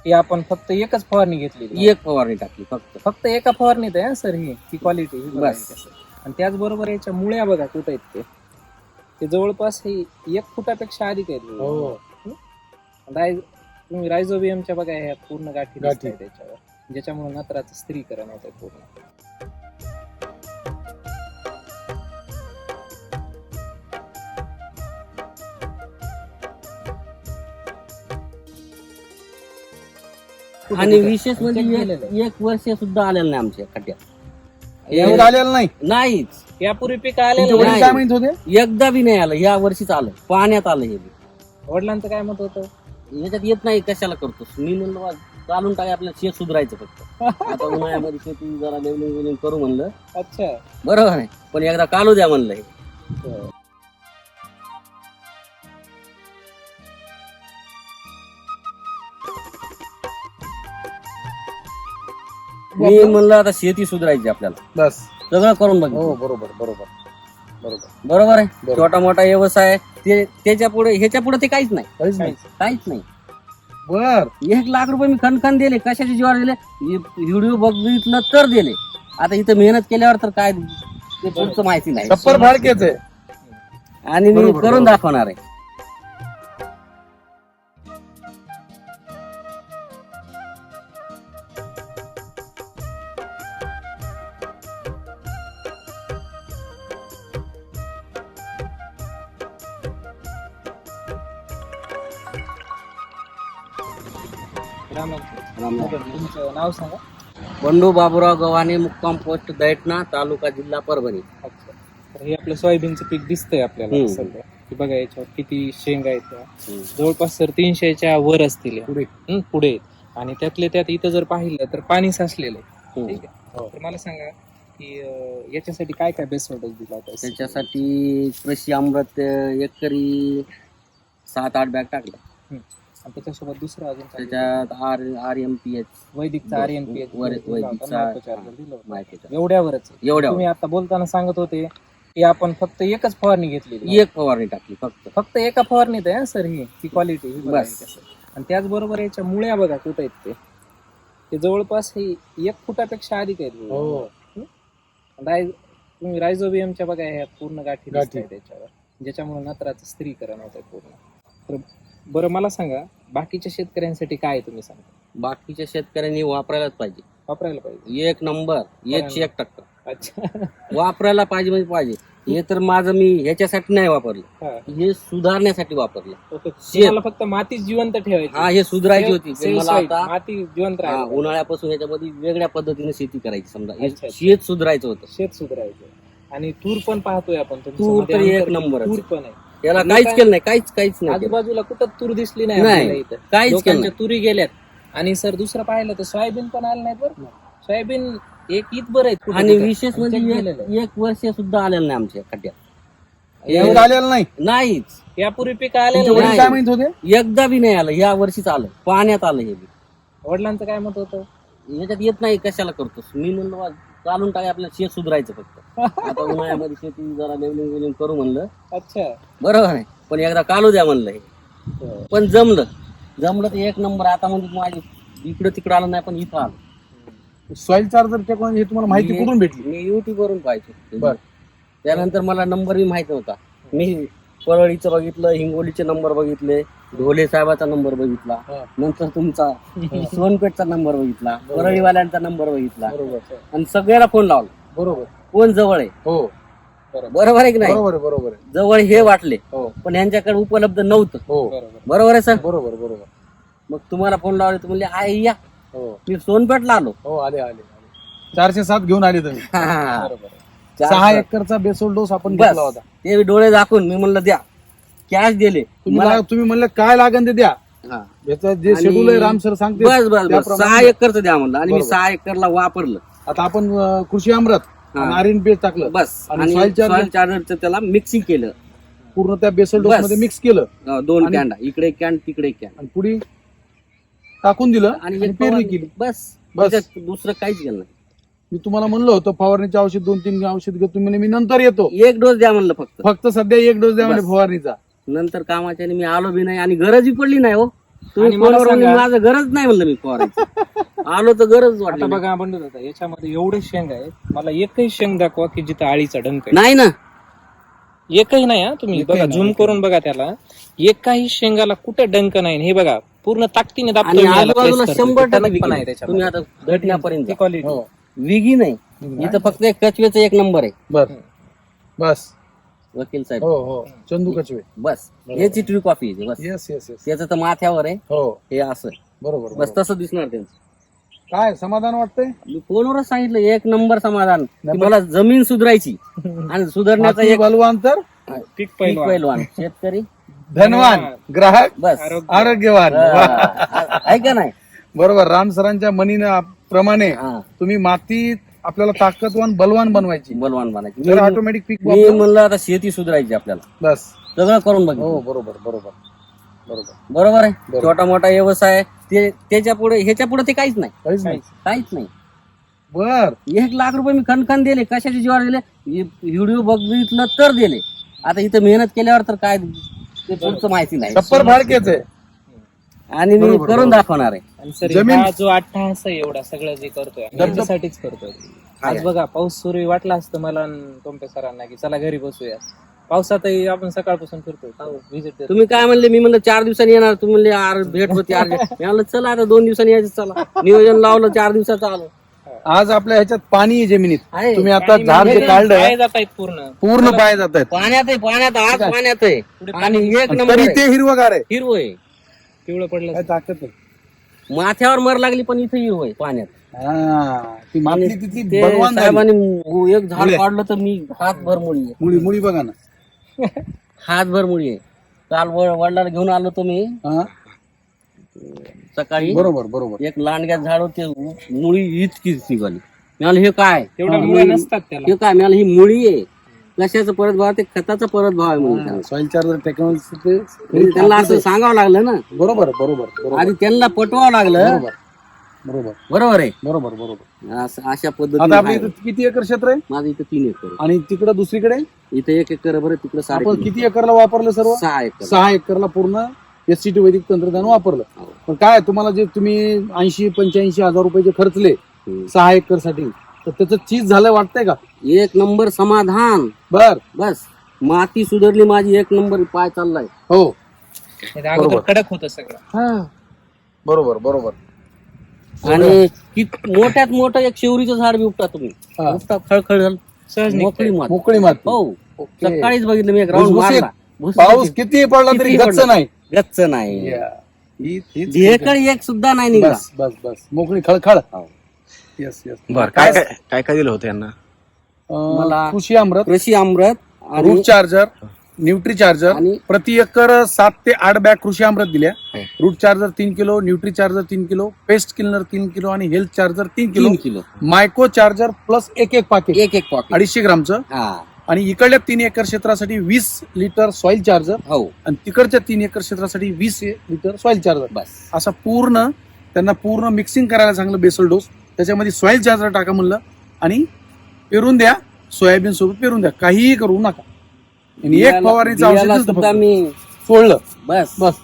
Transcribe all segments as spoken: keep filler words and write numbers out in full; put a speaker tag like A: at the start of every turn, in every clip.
A: की आपण फक्त एकच फवारणी घेतली,
B: एक फवारणी टाकली फक्त
A: फक्त एका फवारणीत आहे सर ही ही क्वालिटी
B: बस.
A: आणि त्याचबरोबर याच्या मुळ्या बघा कुठे आहेत ते ते जवळपास हे एक फुटापेक्षा अधिक आहेत.
C: हो
A: राय तुम्ही रायझोबियमच्या बघा ह्या पूर्ण गाठी
C: गाठी.
A: दिसतायत त्याच्यावर, ज्याच्यामुळे नत्राचं स्त्रीकरण होत आहे पूर्ण.
B: आणि विशेष
A: check
B: म्हणजे
A: केलेलं
B: एक- एक वर्ष सुद्धा आलेलं नाही आमच्या खड्ड्यात
C: एवढं आलेलं नाही.
B: नाहीच.
A: यापूर्वी पीक
C: तुमचे
A: आलेलं
C: वडील
A: नाही.
C: काय म्हणत होते?
B: एकदा बी नाही आलं, या वर्षीच आलं, पाण्यात आलं हे बी.
A: वडिलांचं काय मत होतं?
B: याच्यात येत नाही कशाला करतोस, मी म्हणलं बा, चालून टाक आपल्याला शेत सुधारायचं फक्त. आता उन्हाळ्यामध्ये शेती जरा लेवलिंग वेलिंग करू म्हणलं,
A: अच्छा
B: बरोबर आहे, पण एकदा कालू द्या म्हणलं हे. मी म्हणलं आता शेती सुधारायची आपल्याला,
C: बस
B: सगळं करून
C: हो
B: बघ.
C: बरोबर बरोबर बरोबर
B: बरोबर आहे,
C: बरोबर.
B: छोटा मोठा व्यवसाय ते त्याच्या पुढे ह्याच्या पुढे ते काहीच नाही,
C: काहीच नाही.
B: काहीच नाही.
C: बर
B: एक लाख रुपये मी खनखन दिले, कशाच्या जीवावर दिले, व्हिडिओ बघितलं तर दिले. आता इथं मेहनत केल्यावर तर काय ते पुढचं माहिती नाही,
C: छप्पर फाडकेच आहे.
B: आणि मी
C: बरोबर,
B: करून
C: बरोबर.
B: दाखवणार आहे.
A: रामाचं.
B: रामराम.
A: तुमचं नाव सांगा.
B: बंडू बाबूराव गव्हाणे, मुक्काम पोस्ट दैठणा, तालुका जिल्हा परभणी.
A: अच्छा. तर हे आपलं सोयाबीनचं पीक दिसतंय आपल्याला
B: हम्म.
A: सध्या की बघा याच्यावर किती शेंगा आहेत त्या.
B: हम्म.
A: जवळपास सर तीनशेच्या वर असतील या.
C: पुढे.
A: हम्म, पुढे आहेत. आणि त्यातले त्यात इथं जर पाहिलं तर पाणी साचलेलं आहे.
B: हम्म.
A: ठीक आहे.
C: हो.
A: तर मला सांगा की अं, याच्यासाठी काय काय बेस्ट डोस दिला होता?
B: त्याच्यासाठी कृषी अमृत एकरी सात आठ बॅग टाकलं.
A: हम्म. आणि त्याच्यासोबत दुसरं अजून काय?
B: त्याच्यात R R M P H
A: वैदिकचा आर एन पी एच
B: वर- वैदिकचा माहिती
A: एवढ्यावरच
B: एवढ्या
A: तुम्ही आता बोलताना सांगत होते की आपण फक्त एकच फवारणी घेतली,
B: एक फवारणी टाकली फक्त.
A: फक्त एका फवारणीत आहे सर ही ही क्वालिटी
B: बस.
A: आणि त्याचबरोबर याच्या मुळ्या बघा कुठे आहेत ते ते जवळपास हे एक फुटापेक्षा अधिक आहेत.
C: हो
A: राय तुम्ही रायझोबियमच्या बघा ह्या पूर्ण गाठी
C: गाठी.
A: दिसतायत त्याच्यावर, ज्याच्यामुळे नत्राचं स्त्रीकरण होत आहे पूर्ण. तर बरं मला सांगा बाकीच्या शेतकऱ्यांसाठी काय आहे तुम्ही सांगा?
B: बाकीच्या शेतकऱ्यांनी वापरायलाच पाहिजे,
A: वापरायला पाहिजे.
B: एक नंबर, एकशे एक टक्का
A: अच्छा.
B: वापरायला पाहिजे म्हणजे पाहिजे. हे तर माझं मी ह्याच्यासाठी नाही वापरलं,
A: हा.
B: हे सुधारण्यासाठी वापरलं.
A: ओके. तुम्हाला फक्त माती जिवंत ठेवायची.
B: हा, हे सुधारायची होती.
A: Save- save
B: मला
A: site.
B: आता
A: माती जिवंत
B: हा,
A: राहायला
B: उन्हाळ्यापासून ह्याच्यामध्ये वेगळ्या पद्धतीने शेती करायची. समजा हे
A: अच्छा, अच्छा.
B: शेत सुधारायचं होतं.
A: शेत सुधारायचं. आणि तूर पण पाहतोय आपण तुमचं
B: तूर
A: मध्ये
B: तर एक
A: अंतर-
B: नंबरच
A: तूर
B: आहे.
A: पण आहे.
B: याला
A: आणि
B: काहीच
A: काय-
B: केलं नाही, काहीच काहीच नाही केलं.
A: आजूबाजूला कुठं तूर दिसली नाही
B: नाही,
A: आपल्याला इथं.
B: काहीच केलं
A: लोकांच्या
B: नाही.
A: तुरी गेल्यात. आणि सर दुसरं पाहिलं तर सोयाबीन पण आलं नाही बरं. सोयाबीन एक ईद बरं आहे कुठं
B: आणि
A: तिथं.
B: विशेष
A: check
B: म्हणजे
A: केलेलं
B: एक-
A: आहे.
B: एक वर्ष सुद्धा आलेलं नाही आमच्या खड्ड्यात.
C: एवढं आलेलं नाही.
B: नाहीच.
A: यापूर्वी पीक
C: तुमचे
A: आलेलं
C: वडील
A: नाही.
C: काय म्हणत होते?
B: एकदा बी नाही आलं, या वर्षीच आलं, पाण्यात आलं हे बी.
A: वडिलांचं काय मत होतं?
B: याच्यात येत नाही कशाला करतोस, मी म्हणलं बा, चालून टाक आपल्याला शेत सुधारायचं फक्त. आता उन्हाळ्यामध्ये शेती जरा लेवलिंग वेलिंग करू म्हणलं,
A: अच्छा.
B: बरोबर आहे, पण एकदा कालू द्या म्हणलं हे. पण जमलं जमलं तर एक नंबर. आता म्हणजे माझी इकडं तिकडं आलं नाही, पण इथं आलं.
C: सॉइल चार्जर टेक्नॉलॉजी हे तुम्हाला माहिती
B: मी-
C: कुठून भेटली?
B: मी युट्यूब वरून पाहायचो.
C: बर.
B: त्यानंतर मला नंबर बी माहित नव्हता. मी परळीचं बघितलं, हिंगोलीचे नंबर बघितले, ढोले साहेबाचा नंबर बघितला,
C: हा.
B: नंतर तुमचा सोनपेठचा नंबर बघितला, परळीवाल्यांचा नंबर बघितला,
C: बरोबर
B: आणि सगळ्याला फोन लावला.
C: बरोबर
B: कोण जवळ आहे,
C: हो
B: बरोबर आहे की नाही,
C: बरोबर आहे, बरोबर आहे.
B: जवळ हे वाटले,
C: हो
B: पण यांच्याकडे उपलब्ध नव्हतं.
C: हो
A: बरोबर.
B: बरोबर आहे सर.
C: बरोबर बरोबर
B: मग तुम्हाला फोन लावले, तर म्हणले आई या,
C: हो
B: मी सोनपेठला आलो.
C: हो आले आले आले चारशे सात घेऊन आले तुम्ही.
A: बरोबर.
C: सहा एकरचा बेसोल डोस आपण
B: बस
C: घेतला होता.
B: ते डोळे दाखवून मी म्हणलं द्या, कॅश दिले
C: तुम्ही
B: मला.
C: ला- तुम्ही म्हणलं काय लागेल ते द्या.
B: हा.
C: याचं जे
B: आणि-
C: शेड्यूल आहे राम सर सांगते
B: बस बस बस
C: त्याप्रमाणे-
B: सहा एकरचं द्या म्हणलं, आणि मी
C: बरोबर.
B: सहा एकरला वापरलं.
C: आता आपण अं, कृषी अमृत
B: हा.
C: आणि आर एन पी एच टाकलं,
B: बस
C: आणि
B: आणि
C: soil charger-
B: सॉइल चार्जरचं त्याला मिक्सिंग केलं.
C: पूर्ण त्या बेसल डोस
B: बस.
C: मध्ये मिक्स केलं
B: अं, दोन
C: आणि-
B: कॅन्डा, इकडे एक कॅन तिकडे एक कॅन,
C: आणि पुढे टाकून दिलं
B: आणि
C: आणि
B: एक
C: पेरणी
B: फवारणी.
C: केली.
B: बस
C: बस.
B: त्याच्यात दुसरं काहीच केलं नाही.
C: मी तुम्हाला म्हणलं होतं फवारणीचे औषध दोन तीन औषध घेतो, तुम्ही म्हणे मी नंतर येतो.
B: एक डोस द्या म्हणलं फक्त.
C: फक्त सध्या एक डोस द्या म्हणजे
B: बस.
C: फवारणीचा.
B: नंतर कामाच्या मी आलो बी नाही, आणि गरजही पडली नाही हो. तुम्ही
A: आणि मला
B: फोनवर म्हणले,
A: सांगा-
B: माझं गरज नाही म्हणलं मी फवारायची आलो तर गरज वाटली
A: आता
B: नाही.
A: बघा आपण होता याच्यामध्ये एवढे शेंग आहेत, मला एकही शेंग दाखवा की जिथं आळीचा डंक आहे.
B: नाही ना
A: एकही नाही हा, तुम्ही
C: एकही
A: बघा
C: नाही,
A: झूम
C: एकही
A: करून बघा त्याला, एकाही शेंगाला कुठे डंक नाही. हे बघा पूर्ण ताकदीने दाबतोय
B: आणि
A: मी याला,
B: आजूबाजूला
A: press करतोय.
B: शंभर
A: टणक
B: टक्के
A: पण आहे
B: विघी.
A: त्याच्यामध्ये.
B: तुम्ही आता घटण्यापर्यंत
A: ती quality.
C: हो
B: विगी नाही इथं फक्त एक कचवेचा एक नंबर आहे.
C: बर बस
B: वकील साहेब
C: हो हो चंदू कचवे
B: बस याची ट्री कॉफी आहे बस.
C: येस येस येस
B: त्याचं तर माथ्यावर आहे
C: हो
B: हे असं
C: बरोबर
B: बस
C: बरोबर.
B: तसं दिसणार त्यांचं.
C: काय समाधान वाटतंय
B: मी फोनवरच सांगितलं एक नंबर समाधान की
C: नाही,
B: मला जमीन सुधारायची आणि सुधारण्याचा
C: माती
B: एक
C: बलवान तर
A: पीक
B: पीक
A: पहिलवान.
B: पैलवान शेतकरी
C: धनवान ग्राहक
B: बस
A: आरोग्य.
C: आरोग्यवान वा.
B: हा, आहे का नाही
C: बरोबर राम सरांच्या म्हणीनं प्रमाणे
B: हा,
C: तुम्ही मातीत आपल्याला ताकदवान बलवान बनवायची
B: बलवान बनायची.
C: तर
B: मी
C: ऑटोमॅटिक पीक
B: मी
C: वापरा.
B: म्हणलं आता शेती सुधारायची आपल्याला
C: बस
B: सगळं करून
C: हो
B: बघितलं
C: बरोबर बरोबर बरोबर
B: बरोबर आहे.
C: बरोबर.
B: छोटा मोठा व्यवसाय ते त्याच्या पुढे ह्याच्या पुढे ते काहीच नाही
C: काहीच नाही
B: काहीच नाही.
C: बर
B: एक लाख रुपये मी खनखन दिले कशाच्या जीवावर दिले व्हिडिओ बघितलं तर दिले. आता इथं मेहनत केल्यावर तर काय ते पुढचं माहिती नाही
C: छप्पर फाडकेच आहे
B: आणि मी
C: बरोबर,
B: करून
C: बरोबर.
B: दाखवणार आहे.
A: आणि सर
C: जमीन-
A: हा जो अट्टहास आहे एवढा सगळं जे करतोय त्याच्यासाठीच करतोय. आज बघा पाऊस सुरू वाटला असतं मला आणि टोमटे सरांना की चला घरी बसूया, पावसातही आपण सकाळपासून फिरतोय व्हिजिट.
B: तुम्ही काय म्हणले मी म्हणलं चार दिवसांनी येणार तुम्ही म्हणले आर भेट होती आर मी म्हणलं चला आता दोन दिवसांनी यायचं चला नियोजन लावलं चार दिवसाचं आलो.
C: आज आपल्या ह्याच्यात पाणी आहे जमिनीत
B: आहे.
C: तुम्ही आता झाड जे काढलं
A: पाय जात आहेत पूर्ण.
C: पूर्ण पाय जात आहेत
B: पाण्यात आहे पाण्यात आज पाण्यात आहे आणि एक नंबर
C: तरी
B: आहे.
C: ते हिरवगार आहे
B: हिरवं आहे
A: पिवळं पडलं
C: काय ताकद आहे
B: माथ्यावर मर लागली पण इथं हिरवं आहे पाण्यात.
C: हा, ती माती तिथली
B: ते
C: बलवान झाली.
B: साहेबांनी एक झाड
C: मुळे.
B: काढलं तर मी हातभर मुळी आहे
C: मुळी मुळी बघा ना
B: हातभर मुळी आहे. काल व- वडिलांना घेऊन आलो तुम्ही
C: हा,
B: सकाळी
C: बरोबर बरोबर
B: एक लांडग्यात झाड होते मुळी इतकीच निघाली. मिळालं हे काय
A: तेवढ्या
B: हा,
A: मुळे
B: मुळी-
A: नसतात त्याला.
B: हे काय मिळालं ही मुळी आहे कशाचं परत भाव ते खताचा परत भाव आहे म्हणून त्यांना.
C: सॉइल चार्जर टेक्नॉलॉजी
B: म्हणजे त्यांना असं सांगावं लागलं ना
C: बरोबर बरोबर बरोबर
B: आधी त्यांना पटवावं लागलं
C: बरोबर बरोबर
B: बरोबर आहे
C: बरोबर बरोबर
B: असं- अशा
C: आता
B: पद्धतीने
C: आपल्या
B: आहे.
C: इथं किती एकर क्षेत्र आहे
B: माझं इथं तीन एकर आहे.
C: आणि तिकडं दुसरीकडे
B: इथं एक एकर बरं तिकडं साडे
C: आपण किती एकरला वापरलं सर्व
B: सहा एकर
C: सहा एकरला पूर्ण एस सी टी वैदिक तंत्रज्ञान वापरलं.
B: हो.
C: पण काय तुम्हाला जे तुम्ही ऐंशी पंच्याऐंशी हजार रुपये जे खर्चले
B: हम्म.
C: सहा एकर साठी तर त्याचं चीज झालं वाटतंय का
B: एक नंबर समाधान
C: बर
B: बस माती सुधारली माझी एक नंबर पाय चाललाय.
C: हो
A: हे अगोदर
C: बरोबर.
A: कडक होतं सगळं.
C: बरोबर बरोबर
B: आणि कित- मोठ्यात मोठं एक शेवरीचं झाड बी उपटा तुम्ही
C: हा.
B: उपटा खळखळ झालं
A: सहज
B: मोकळी
A: निघतंय.
B: माती
C: मोकळी माती
B: हो
C: ओके.
B: सकाळीच बघितलं मी एक राऊंड
C: भुसभुशीत.
B: मारला भुसभुशीत.
C: पाऊस किती पडला तरी
B: किती
C: गच्च
B: पडला?
C: नाही
B: गच्च नाही
C: ही- हीच
B: ढेकळ एक सुद्धा नाही निघाला.
C: बस बस बस मोकळी खळखळ
B: हो.
C: येस येस
D: बर काय काय काय काय दिलं होतं यांना
C: अं,
B: मला-
C: कृषी अमृत
B: कृषी अमृत आणि
C: रूट चार्जर न्यूट्री चार्जर
B: आणि-
C: प्रति एकर सात ते आठ बॅग कृषी अमृत दिल्या
B: हो.
C: रूट चार्जर तीन किलो न्यूट्री चार्जर तीन किलो पेस्ट किलनर तीन किलो आणि हेल्थ चार्जर तीन किलो
B: तीन किलो
C: मायको चार्जर प्लस एक एक पाकिट
B: एक एक पॉकेट
C: अडीचशे ग्रामचं
B: हा
C: आणि इकडल्या तीन एकर क्षेत्रासाठी वीस लिटर सॉइल चार्जर
B: हो
C: आणि तिकडच्या तीन एकर क्षेत्रासाठी वीस लिटर सॉइल चार्जर
B: बस
C: असा पूर्ण त्यांना पूर्ण मिक्सिंग करायला सांगलं बेसल डोस त्याच्यामध्ये सॉइल चार्जर टाका म्हणलं आणि पेरून द्या सोयाबीन सोबत पेरून द्या काहीही करू नका आणि एक फवारणीचं
B: बियाला
C: औषध
B: सुद्धा मी
C: सोडलं
B: बस
C: बस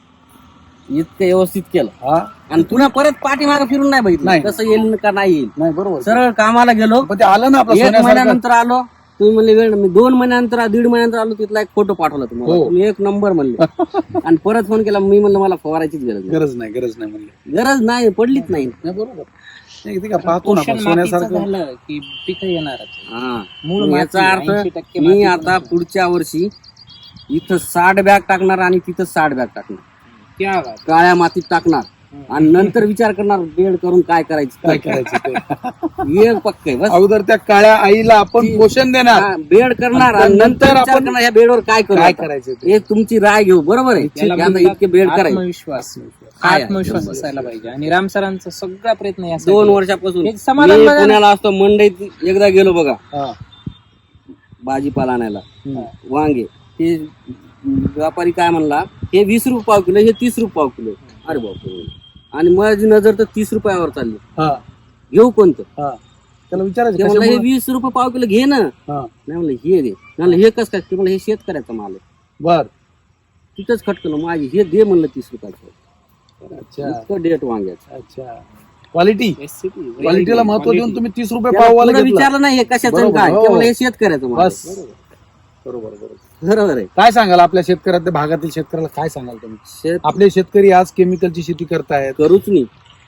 B: इतकं व्यवस्थित केलं
C: हा
B: आणि पुन्हा परत पाठीमागे फिरून नाही बघितलं
C: नाही.
B: कसं येईल का नाही येईल
C: नाही बरोबर
B: सरळ कामाला गेलो
C: पण ते आलं ना आपलं
B: एक
C: सोन्यासारखं
B: महिन्यानंतर आलो तुम्ही म्हणले वेळ मी दोन महिन्यानंतर दीड महिन्यानंतर आलो तिथला एक फोटो पाठवला तुम्हाला
C: हो.
B: तुम्ही एक नंबर म्हणले आणि परत फोन केला मी म्हणलं मला फवारायचीच गरज नाही
C: गरज नाही गरज नाही म्हणले
B: गरज नाही पडलीच नाही
C: नाही बरोबर नाही ते का पाहतो ना
A: पोषण
C: आपण
A: मातीचं
C: सोन्यासारखं
A: झालं की पिकं येणारच.
B: हा
A: मूळ
B: मग याचा
A: माती,
B: अर्थ
A: ऐंशी टक्के
B: मी
A: माती
B: आता
A: पण-
B: पुढच्या वर्षी इथं साठ बॅग टाकणार आणि तिथं साठ बॅग टाकणार
A: क्या बात.
B: काळ्या मातीत टाकणार आणि नंतर विचार करणार बेड करून काय करायचं
C: काय करायचं ते
B: एक पक्क आहे बस
C: अगोदर त्या काळ्या आईला आपण पोषण देणार
B: हा, बेड करणार आणि
C: नंतर
B: नंतर विचार
C: आपण-
B: करणार ह्या बेडवर काय करू
C: काय
B: आता.
C: करायचं ते
B: हे तुमची राय घेऊ बरोबर आहे
A: त्याला
B: की आता
A: म्हणतात
B: इतके बेड करायचे
A: आत्मविश्वास
B: काय आहे?
A: आत्मविश्वास असायला पाहिजे आणि राम सरांचा सगळा प्रयत्न यासाठी
B: दोन वर्षापासून
A: एक समाधान
B: मी
A: बघा ना.
B: पुण्याला असतो मंडईत एकदा गेलो बघा
C: हा.
B: भाजीपाला आणायला
C: हम्म.
B: वांगे ते व्यापारी काय म्हणला हे वीस रुपये पाव किलो हे तीस रुपये पाव किलो अरे बापरे आणि माझी नजर तर तीस रुपयावर चालली
C: हा
B: घेऊ कोणतं
C: हा त्याला विचारायचं
B: ते म्हणलं हे
C: कशामुळं?
B: वीस रुपये पाव किलो घे ना
C: हा
B: नाही म्हणलं हे दे म्हणलं हे कसं काय ते म्हणलं हे शेतकऱ्याचा माल आहे
C: बर
B: तिथंच खटकलं माझी हे दे म्हणलं तीस रुपयाचं
C: अच्छा
B: इतकं डेट वांग्याचं.
C: अच्छा क्वालिटी
A: एससीपी
C: क्वालिटीला महत्व देऊन तुम्ही तीस रुपये
B: त्याला
C: पाववाला
B: पुढं
C: घेतला.
B: विचारलं नाही हे कशाचं आणि
C: बरोबर,
B: काय,
C: हो.
B: केवळ हे शेतकऱ्याचं माल आहे.
C: बस बरोबर बरोबर.
B: बरोबर आहे.
C: काय सांगाल आपल्या शेतकऱ्याच्या भागातील शेतकऱ्याला काय सांगाल तुम्ही?
B: शेत
C: आपले शेतकरी आज केमिकलची शेती करतायत.
B: करूच नाही,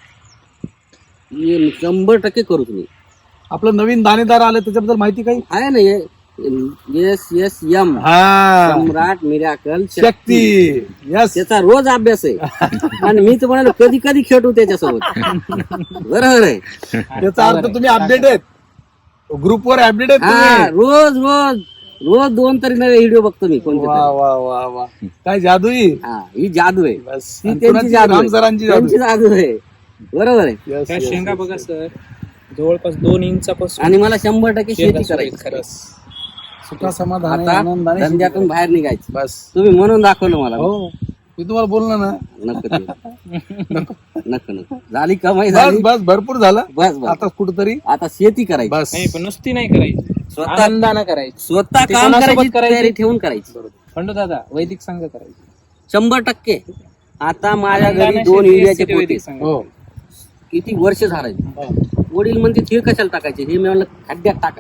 B: हे शंभर टक्के करूच नाही.
C: आपलं नवीन दाणेदार आलं त्याच्याबद्दल माहिती काही?
B: आहे ना एस एस एम
C: हा
B: सम्राट मिराकल
C: शक्ती यस
B: त्याचा रोज अभ्यास आहे. आणि मी तर म्हणालो कधी कधी खेळू त्याच्यासोबत. बरोबर आहे.
C: त्याचा अर्थ तुम्ही अपडेट आहेत, ग्रुपवर अपडेट आहेत
B: हा
C: तुम्ही.
B: रोज रोज रोज दोन तरी नवे व्हिडिओ बघतो मी कोणते
C: वा
B: तरी.
C: वा वा वा काय जादूई.
B: हा ही जादू आहे.
C: बस
B: ती
C: आणि
B: त्यांची
C: कुणाची?
B: जादू
C: राम
B: आहे.
C: सरांची जादू.
B: त्यांची जादू आहे. बरोबर आहे.
C: Yes,
A: त्या
C: yes,
A: शेंगा
C: yes,
A: बघा
C: yes.
A: सर, जवळपास दोन इंचापासून
B: आणि मला शंभर टक्के
A: शेंगा
B: शेती करायची.
A: सुरेख खरंच.
C: सुखा समाधान
B: आता
C: आनंदाने
B: धंद्यातून बाहेर निघायचं.
C: बस
B: तुम्ही म्हणून दाखवलं मला.
C: हो मी तुम्हाला बोललो ना.
B: नको ते. नको नको झाली कमाई
C: बस
B: झाली.
C: बस भरपूर झालं.
B: बस बस
C: आता कुठतरी
B: आता शेती करायची.
C: बस
A: नाही पण नुसती नाही करायची,
B: स्वतः
A: आनंदानं करायची.
B: स्वतः
A: ते
B: काम
A: कोणासोबत
B: करायची
A: करायची?
B: तयारी ठेवून करायची.
A: खंडू दादा वैदिक संघ करायची.
B: शंभर टक्के. आता माझ्या घरी
A: आनंदानं
B: दोन
A: शेती
B: युरियाचे
A: असते, वैदिक
B: पोते
A: संघ.
C: हो
B: किती वर्ष झाले. वडील म्हणते ते कशाला टाकायचे, हे मी म्हणलं खड्ड्यात टाका.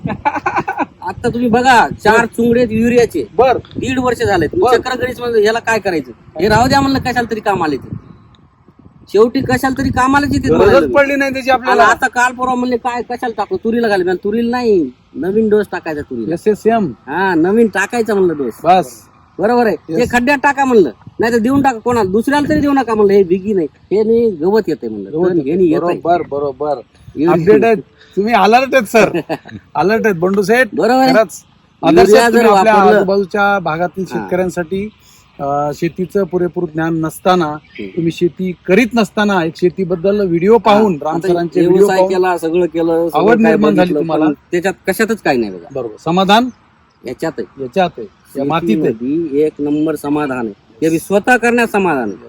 B: आता तुम्ही बघा चार चुंगडे युरियाचे
C: बर
B: दीड वर्ष झाले.
C: बर.
B: चक्र गणित म्हणलं याला काय करायचं, हे राहू द्या म्हणलं कशाला तरी काम आले ते. शेवटी कशाला तरी कामाला येते
C: गरजच
B: म्हणाले.
C: पडली नाही त्याची
B: आणि
C: आपल्याला.
B: आता काल परवा म्हणले काय कशाला टाकू, तुरीला घाले. म्हणलं, तुरीला नाही, नवीन डोस टाकायचा तुरीला.
C: एस एस एम
B: हा नवीन टाकायचा म्हणलं डोस.
C: बस
B: बरोबर आहे. ते खड्ड्यात टाका म्हणलं, नाही तर देऊन टाका कोणाला दुसऱ्याला तरी देऊ नका म्हणलं. हे बिगी नाही, हे नाही गवत येते म्हणलं. तण हे नाही येतंय.
C: बरोबर बरोबर अपडेट आहेत तुम्ही. अलर्ट आहेत सर, अलर्ट आहेत बंडू सेठ.
B: बरोबर आहे.
C: खरंच आदर्श
B: युरिया
C: आहेत
B: जर
C: तुम्ही आपल्या
B: वापरलं-
C: आजूबाजूच्या भागातील शेतकऱ्यांसाठी. अं, शेतीचं पुरेपूर ज्ञान नसताना, तुम्ही शेती करीत नसताना एक शेतीबद्दल व्हिडिओ पाहून राम
B: आता
C: सरांचे व्हिडिओ
B: व्यवसाय
C: पाहून
B: केला, सगळं केलं, सगळं
C: आवड
B: काय
C: निर्माण झाली
B: बघितलं,
C: तुम्हाला.
B: पण त्याच्यात कशातच काही नाही बघा.
C: बरोबर समाधान
B: याच्यात आहे.
C: याच्यात आहे, या मातीत आहे.
B: शेतीमध्ये एक नंबर समाधान आहे. ते बी स्वतः करण्यात समाधान आहे.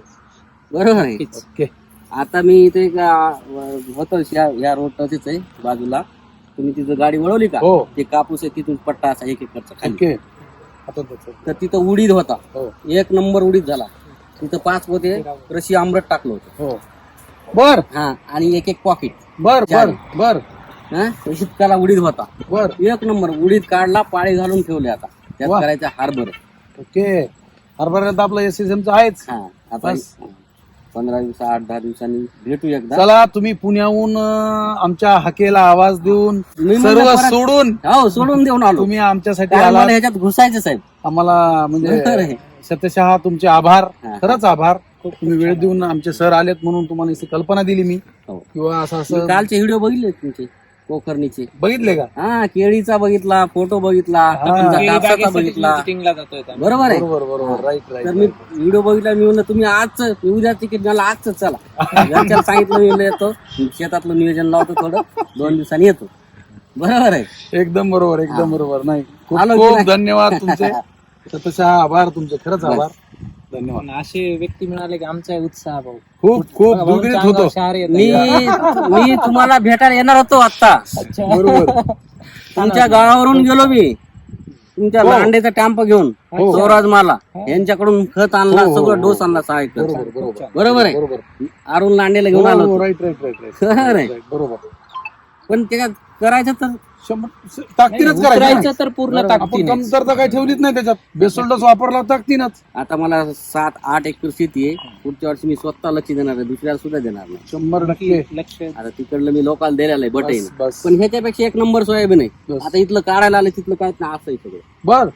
B: बरोबर आहे.
C: ओके
B: आता मी इथे एक, आ, होतं या या रोडच आहे बाजूला. तुम्ही तिथं गाडी वळवली का,
C: हो
B: ते कापूस आहे तिथून पट्टा असा एक एकरचा खाली.
C: ओके आता त्याचं.
B: तर तिथं उडीद होता,
C: हो
B: एक नंबर उडीद झाला. तिथं पाच पोते कृषी आमरट टाकलं होतं.
C: हो बर
B: हा आणि एक एक पॉकेट.
C: बर बर बर
B: हा इतकाला उडीद होता.
C: बर
B: एक नंबर उडीद काढला, पाळी घालून ठेवले. आता त्यात
C: वा.
B: करायचं हार्बर.
C: ओके हरभऱ्यात आपलं एस एस एमचं आहेच.
B: हा आता
C: बस.
B: पंधरा दिवस आठ दहा दिवसांनी भेटू एकदा.
C: चला तुम्ही पुण्याहून अं, आमच्या हाकेला आवाज देऊन
B: मी म्हणलं
C: सर्व
B: परत-
C: सोडून
B: हो सोडून देऊन आलो.
C: तुम्ही आमच्यासाठी
B: कारण
C: आला.
B: मला ह्याच्यात घुसायचं साहेब.
C: आम्हाला
B: बरोबर
C: म्हणजे
B: आहे.
C: सत्यशः तुमचे आभार.
B: हा.
C: खरंच आभार. तुम्ही वेळ देऊन आमचे सर आलेत म्हणून तुम्हाला इथे कल्पना दिली मी,
B: हो.
C: किंवा असं
B: मी
C: असं
B: कालचे व्हिडिओ बघितले तुमचे कोकर्णीचे.
C: बघितले का.
B: हा केळीचा बघितला, फोटो बघितला,
C: हा.
B: तुमचा
A: केळी
B: कापसाचा
A: बागेसाठी
B: बघितला.
A: visiting ला जातोय आता.
B: बरोबर आहे.
C: बरोबर बरोबर राईट
B: तर मी
C: राईट
B: व्हिडिओ बघितला. मी म्हणलं तुम्ही आजच उद्या तिकीट मला आजच चला. घरच्याला सांगितलं मी म्हणलं येतो, शेतातलं नियोजन लावतो थोडं, दोन दिवसांनी येतो. बरोबर आहे.
C: एकदम बरोबर एकदम बरोबर. नाही खूप
B: आलो की
C: खूप
B: नाही?
C: धन्यवाद तुमचे. सत्यशः आभार तुमचे, खरंच आभार. धन्यवाद.
A: पण असे व्यक्ती मिळाले की आमचा उत्साह भाऊ
C: खूप खूप
A: भाऊंच्या
C: दुग्रीत
A: अंगावर
C: होतो.
A: शहर येतं.
B: मी मी तुम्हाला भेटायला येणार होतो आता.
C: बरोबर
B: तुमच्या गावावरून गेलो मी, तुमच्या
C: हो.
B: लांडेचा टॅम्प घेऊन.
C: हो.
B: स्वराज मला यांच्याकडून खत आणला,
C: हो, हो,
B: सगळं
C: हो.
B: डोस आणला सहा एकर.
C: बरोबर बरोबर
B: बरोबर आहे.
C: बरोबर
B: अरुण लांडेला घेऊन आलो होतो.
C: राईट राईट राईट
B: खरं आहे.
C: राईट बरोबर.
B: पण त्याच्यात करायचं तर
C: शंभर ताकदीनच
A: उतरायचं
C: करायचं.
A: तर पूर्ण
C: आपण
A: ताकदीने.
C: कमतरता काही ठेवलीच नाही त्याच्यात. बेसोल्डस वापरला ताकदीनच.
B: आता मला सात आठ एकर शेती आहे. पुढच्या वर्षी मी स्वतः लक्ष देणार आहे, दुसऱ्याला सुद्धा देणार नाही.
C: शंभर टक्के
A: लक्ष
B: आता तिकडलं मी लोकांना द्यायला आहे बटाईन.
C: बस, बस.
B: पण ह्याच्यापेक्षा एक नंबर सोयाबीन आहे.
C: बस.
B: आता इथलं काढायला आलं तिथलं काय नाही, असं आहे सगळं.
C: बर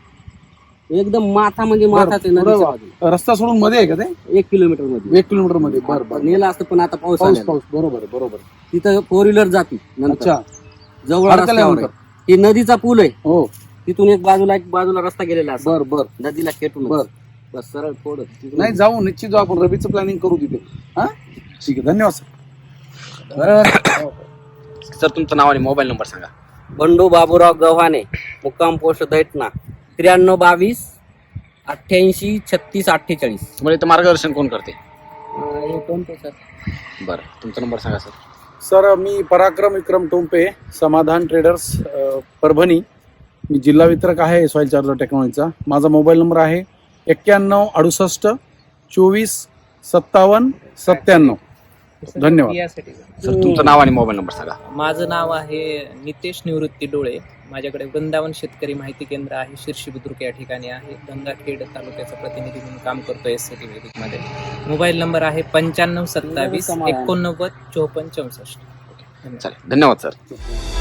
B: एकदम माथा म्हणजे माथाच आहे नदीच्या बाजूला.
C: रस्ता सोडून मध्ये आहे का ते.
B: एक किलोमीटर मध्ये
C: एक किलोमीटर मध्ये. बर बर
B: नेलं असतं, पण आता पाऊस
C: पाऊस
B: आला.
C: पाऊस बरोबर आहे, बरोबर.
B: तिथं फोर व्हीलर जाती नंतर
C: अच्छा
B: जवळ
C: अडकल्या
B: रस्त्यावर
C: नंतर.
B: आहे. ही नदीचा पूल आहे.
C: हो
B: तिथून एक बाजूला एक बाजूला रस्ता गेलेला असतो
C: बर बर
B: नदीला खेटून.
C: बर.
B: बस सरळ थोडं तिथून-
C: नाही जाऊ निश्चित जाऊ आपण रबीचं प्लॅनिंग करू तिथे. हा ठीक आहे धन्यवाद सर.
B: बरोबर.
D: सर तुमचं नाव आणि मोबाईल नंबर सांगा.
B: बंडू बाबूराव गव्हाणे, मुक्काम पोस्ट दैठणा, त्र्याण्णव बावीस अठ्ठ्याऐंशी छत्तीस अठ्ठेचाळीस.
D: तुम्हाला इथं मार्गदर्शन कोण करते.
B: हे कोणते सर?
D: बरं तुमचा नंबर सांगा सर.
C: सर मी पराक्रम विक्रम टोंपे, समाधान ट्रेडर्स अ, परभणी. मी जिल्हा वितरक आहे सॉईल चार्जर टेक्नॉलॉजीचा. माझा मोबाईल नंबर आहे एक्क्याण्णव अडुसष्ट चोवीस सत्तावन्न सत्त्याण्णव. धन्यवाद.
A: यासाठी
D: सर तुमचं नाव आणि मोबाईल नंबर सांगा.
A: माझं नाव आहे नितेश निवृत्ती डोळे. माझ्याकडे वृंदावन शेतकरी माहिती केंद्र आहे, शिर्शी बुद्रुक या ठिकाणी आहे. गंगाखेड तालुक्याचा प्रतिनिधी म्हणून काम करतो एस सी टी वैदिक मध्ये. मोबाईल नंबर आहे पंच्याण्णव सत्तावीस एकोणनव्वद चोपन्न चौसष्ट.
D: चालेल, धन्यवाद सर.